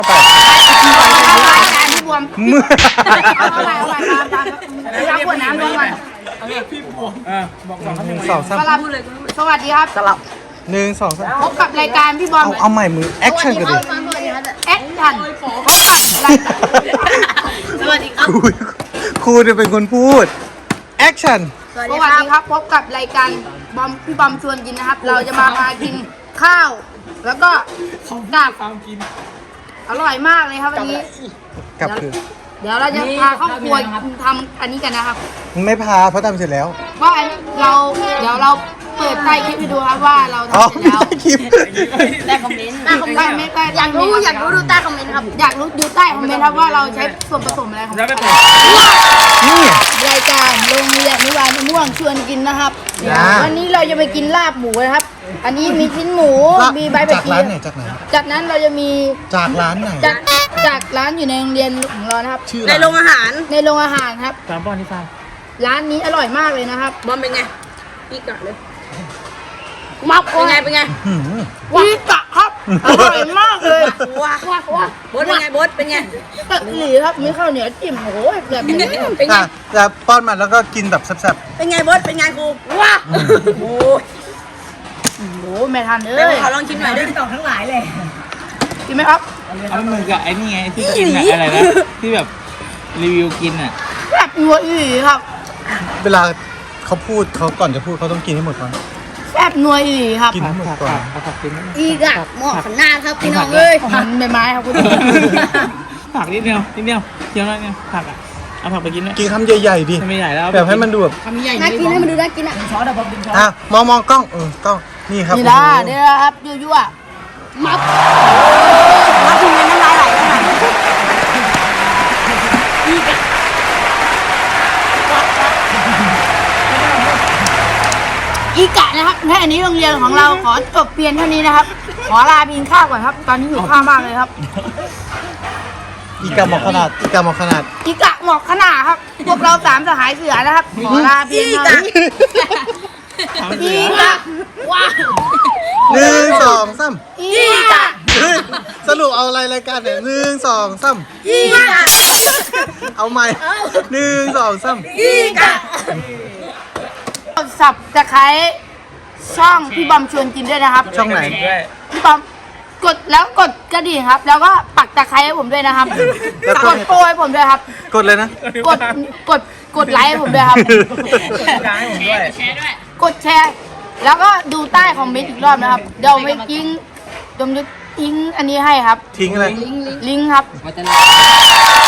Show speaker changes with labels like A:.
A: ไป
B: รายการพี่บวมเอาไปรับขวดน้ำลงก่อน
A: บอกสองสาม
B: สวัสดีครับ
A: หนึ่งสองสาม
B: พบกับรายการพี่บอม
A: เอาใหม่มือแอคชั่นกันดิ
B: แอคชั่นพบกับรายการสวัสดีครับ
A: ครูจะเป็นคนพูดแอคชั่น
B: สวัสดีครับพบกับรายการบอมพี่บอมชวนกินนะครับ เราจะมากินข้าว แล้วก็ของดาบอร่อยมากเลยครับวันนี้
A: กลับคือ
B: เดี๋ยวเราจะพาเข้าครัวทำอันนี้กันนะครับ
A: ไม่พาเพราะทำเสร็จแล้ว
B: ว่าเดี๋ยวเราเปิดใต้คลิปให้ดูครับว่าเรา
A: อ๋อ
B: ทำเสร็จแล้ว
A: คลิป
B: ใต้คอมเมนต์อยากรู้ดูใต้คอมเมนต์ครับอยากรู้ดูใต้คอมเมนต์ครับว่าเราใช้ส่วนผสมอะไรของ
A: นี่
B: รายการโรงเรียนอนุบาลมะม่วงชวนกินนะครับ
A: จ้า
B: วันนี้เราจะไปกินลาบหมูนะครับ อันนี้มีชิ้นหมูมีใบผัก
A: จาก
B: ชี
A: ร้านไหนจากไหน
B: จากนั้นเราจะมี
A: จากร้านไหน
B: จากร้านอยู่ในโรงเรียนของเรานะครับ
A: ชื่อ
C: ในโรงอาหาร
B: ในโรงอาหารครับ
C: ตามป้อนที่ฟาร์ม
B: ร้านนี้อร่อยมากเลยนะครับ
C: บอมเป็นไงพี่กะเลย
B: มัก
C: เป็นไง
A: หืม
B: พี่กะครับอร่อยมากเลย
C: ว้า
B: ว้า
C: โบดเป็นไงโบดเป็นไง
B: ตัดหลีครับมีข้าวเหนียวจิ้มโอ้โหแบบนี้
C: เป็นไง
A: อ่ะจะป้อนมันแล้วก็กินแบบแซ่บ
C: เป็นไงโบดเป็นไงครูว้าโอ้ย
B: โอ้โหไม่ทันเล
C: เดี๋ยวย ขอลองชิมหน่อยด้วย
B: กินไหมครับ
D: เอาเหมือนกับไอ้นี่ไงที่กินอะอะไรนะที่แบบรีวิวกินอ่ะ
B: แบบนัวอีหลีครับ
A: ๆเวลาเขาพูดเขาก่อนจะพูดเขาต้องกินให้หมดก่อน
B: แบบนัวอีหลีครับ
A: กินให้หมดก่อน
D: เอาผักกิน
B: อีกอะหม้อขนาดครับพี่น้องเอ้ยมันใบไม้ครับคุณ
D: ผักนิดเดียวเคี้ยวน้อยเนี่ยผักอ่ะเอาผักไปกินด้วย
A: กินคำใหญ่ๆดิ
D: ไม่ใหญ่แล้ว
A: แบบให้มันดูแบบ
B: น่ากินให้มันดูน่ากินอ่ะ
A: อ่ะมองกล้องกล้องนี่ครับ
B: นี่นะเดี๋ยวครับยั่วๆมับ
C: มาชิมกันน้ำลายไหลแล้วค่ะ
B: อีกะนะครับแค่อันนี้โรงเรียนของเราขอจบเพียงเท่านี้นะครับ ขอลาไปกินข้าวก่อนครับ ตอนนี้หิวข้าวมากเลยครับ
A: อีกาหมอกขนาด
B: อีกะหมอกขนาดครับ พวกเราสามสหายเสือนะครับ ขอลาเพียงเท่านี้อีกะว้าว
A: หนึ่งสองสาม
B: อีกะ
A: เฮ้ยสรุปเอาอะไรรายการเนี่ยหนึ่งสองสาม
B: อีกะ
A: เอาใหม่หนึ่งสองสาม
B: อีกะสับตะไคร้ช่องพี่บอมชวนกินด้วยนะครับ
A: ช่องไหน
B: พี่บอมกดแล้วกดกระดิ่งครับ แล้วก็ปักตะไคร้ให้ผมด้วยนะครับ
A: แล้ว
B: กดโปรยผมด้วยครับ
A: กดเลยนะ
B: กดไลค์ให้ผมด้วยครับ กดแชร์ แล้วก็ดูใต้คอมเมนต์อีกรอบนะครับ เดี๋ยวไปทิ้งอันนี้ให้ครับ
A: ทิ้งอะไร
B: ลิงก์ครับ